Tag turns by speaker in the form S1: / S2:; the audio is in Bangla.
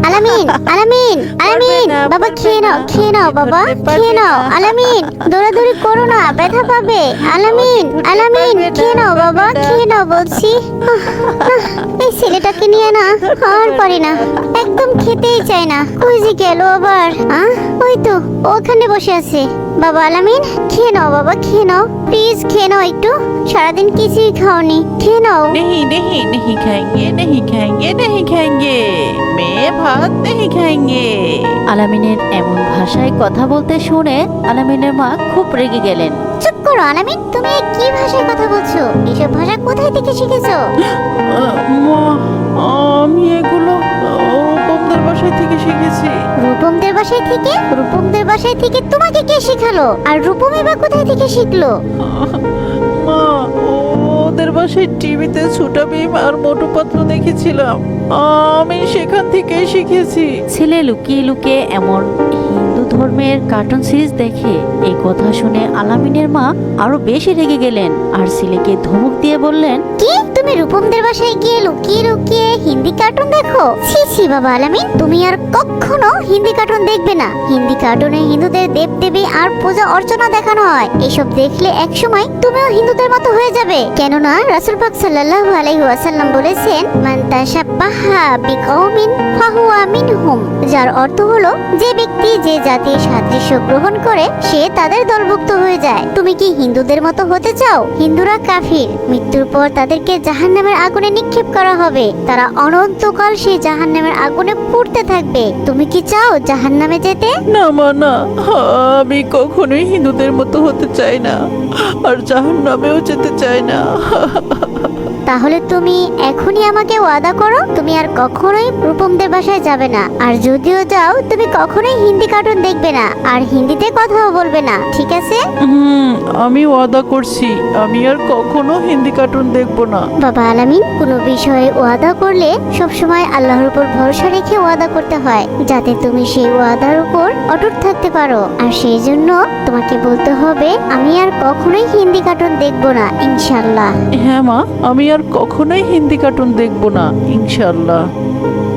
S1: আলামিন, আলামিন, আলামিন, বাবা খেয়ে নাও বাবা, খেয়ে নাও। আলামিন, দৌড়াদৌড়ি করো না, ব্যথা পাবে। আলামিন, আলামিন, খেয়ে নাও বাবা, খেয়ে নাও বলছি। এই ছেলেটাকে নিয়ে না আর পারি না, একদম খেতেই চায় না। কই যে গেল আবার? ওই তো ওখানে বসে আছে। বাবা আলামিন, খেয়ে নাও বাবা, খেয়ে নাও, প্লিজ খেয়ে নাও একটু। সারাদিন কিছুই খাওনি, খেয়ে নাও।
S2: नहीं नहीं नहीं खाएंगे नहीं खाएंगे नहीं खाएंगे मैं भात नहीं खाएंगे।
S3: আলামিনের এমন ভাষায় কথা বলতে শুনে আলামিনের মা খুব রেগে গেলেন।
S1: চুপ করো আলামিন, তুমি কি ভাষায় কথা বলছো? এসব ভাষা কোথায় থেকে শিখেছো?
S2: মা, আমি এগুলো রূপমদের বাসায় থেকে শিখেছি।
S1: রূপমদের বাসায় থেকে? রূপমদের বাসায় থেকে তোমাকে কে শেখালো? আর রূপমই বা কোথায় থেকে শিখলো?
S2: মা, ওদের বাসায় টিভিতে ছোটা ভীম আর মোটু পাতলু দেখেছিলাম, আমি সেখান থেকেই শিখেছি।
S3: ছেলে লুকিয়ে লুকিয়ে এমন হিন্দু ধর্মের কার্টুন সিরিজ দেখে। এই কথা শুনে আলামিনের মা আরো বেশি রেগে গেলেন আর ছেলেকে ধমক দিয়ে বললেন,
S1: কি তুমি রূপমদের বাসায় গিয়ে লুকিয়ে লুকিয়ে হিন্দি কার্টুন দেখো? ছি ছি বাবা আলামিন, তুমি আর কখনো হিন্দি কার্টুন দেখবে না। হিন্দি কার্টুনে হিন্দুদের দেবদেবী আর পূজা অর্চনা দেখানো হয়। এসব দেখলে একসময় তুমিও হিন্দুদের মতো হয়ে যাবে। কেননা রাসূল পাক সাল্লাল্লাহু আলাইহি ওয়াসাল্লাম বলেছেন, মান তাশাব্বাহা বিকওমিন ফাহুয়া মিনহুম, যার অর্থ হলো যে ব্যক্তি যে জাতির সাদৃশ্য গ্রহণ করে সে তাদের দলভুক্ত হয়ে যায়। তুমি কি হিন্দুদের মতো হতে চাও? হিন্দুরা কাফির, মৃত্যুর পর তাদেরকে জাহান্নামের আগুনে নিক্ষেপ করা হবে। তারা অনন্তকাল সেই জাহান্নামের আগুনে পুড়তে থাকবে। তুমি কি চাও জাহান্নামে যেতে?
S2: না মা, না, আমি কখনোই হিন্দুদের মতো হতে চাই না, আর জাহান্নামেও যেতে চাই না।
S1: তাহলে তুমি এখনই আমাকে ওয়াদা করো, তুমি আর কখনোই রূপমদের বাসায় যাবে না। আর যদিও যাও, তুমি কখনোই হিন্দি কার্টুন দেখবে না আর হিন্দিতে কথাও বলবে না, ঠিক আছে?
S2: আমি ওয়াদা করছি, আমি আর কখনো হিন্দি কার্টুন দেখবো না।
S1: বাবা আলামিন, কোনো বিষয়ে ওয়াদা করলে সবসময় আল্লাহর উপর ভরসা রেখে ওয়াদা করতে হয়, যাতে তুমি সেই ওয়াদার উপর অটুট থাকতে পারো। আর সেই জন্য তোমাকে বলতে হবে, আমি আর কখনোই হিন্দি কার্টুন দেখবো না, ইনশাআল্লাহ।
S2: হ্যাঁ মা, আমি আর কখনোই হিন্দি কার্টুন দেখবো না, ইনশাআল্লাহ।